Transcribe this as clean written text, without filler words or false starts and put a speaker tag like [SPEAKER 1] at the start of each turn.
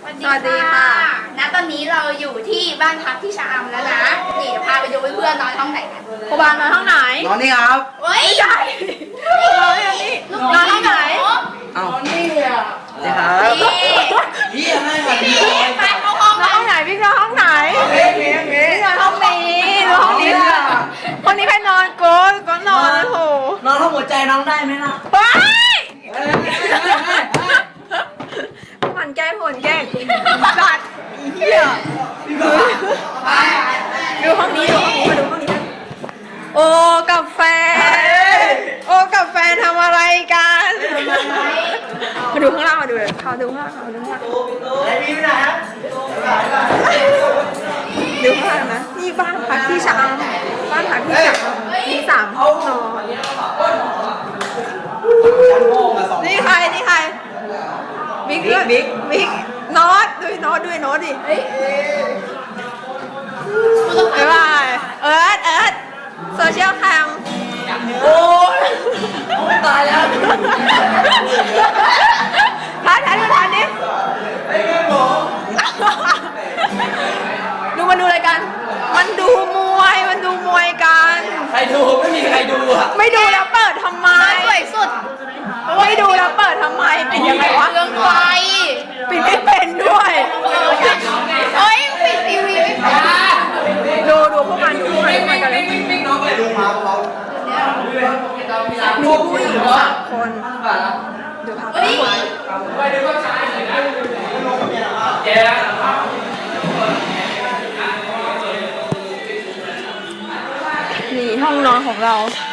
[SPEAKER 1] สวัสดีค่ะณตอนนี้เราอยู่ที่บ้านพักที่ชะอำแล้วนะนี่เดี๋ยวพาไปดูเพื่อนๆนอนห้องไหนกัน
[SPEAKER 2] ครูบาลนอนห้องไหน
[SPEAKER 3] นอนนี่ครับ
[SPEAKER 1] เฮ้ย
[SPEAKER 2] ใช่นอนอย่างนี้นอนห้องไหน
[SPEAKER 3] เอ้านี่ครับ
[SPEAKER 1] นี่
[SPEAKER 3] พี่อะไรมา
[SPEAKER 1] นี่ไปเข้าห้อง
[SPEAKER 2] นอนห้องไหนพี่นอนห้องไหนพี่นอนห้องนี้นอนห้องนี้คนนี้ใครนอนโก้ก็นอนโอ้โห
[SPEAKER 3] นอนห้องหัวใจน้องได้ไหมล่ะ
[SPEAKER 2] ว้ายมันแกล้งคนแกล้งสัตว์เหี้ยดูห้องนี้ดูห้องนี้มาดูห้องนี้กันโอ้กับแฟนโอ้กับแฟนทำอะไรกันมาดูข้างล่างมาดูเลยเขาดูข้างล่างเขาดูข้างล่าง
[SPEAKER 3] ไอ้พี่ไปไหนครับ
[SPEAKER 2] ดูข้างล่างนะนี่บ้านพักที่ชะอำบ้านพักที่ชะอำมี3 ห้องนอนนี่ใครนี่ใครบิ๊กบิ๊กโน้ตด้วยโน้ตด้วยโน้ตดิบ๊ายบายเอิร์ธโซเชียลแคมโอ้ย
[SPEAKER 3] ตายแล้ว
[SPEAKER 2] ทันดิดูมันดูอะไรกัน มันดูมวยกัน
[SPEAKER 3] ใครดูไม่มีใครดูอ่ะ
[SPEAKER 2] ไม่ดูแล้วเปิดทำไม
[SPEAKER 1] สวยสุด
[SPEAKER 2] ไม่ดูแล้วเปิดทำไมปิดยังไงวะ
[SPEAKER 1] เรื่องไฟ
[SPEAKER 2] ปิดไม่เป็นด้วย
[SPEAKER 1] เฮ้ยปิดทีวีไม่เป็น
[SPEAKER 2] ดูพวกมันกันเลย
[SPEAKER 3] น้องไปดูมาเบา
[SPEAKER 2] มีผู้หญิง3 คนดูพัก
[SPEAKER 1] เฮ้ย
[SPEAKER 2] นี่ห้องนอนของเรา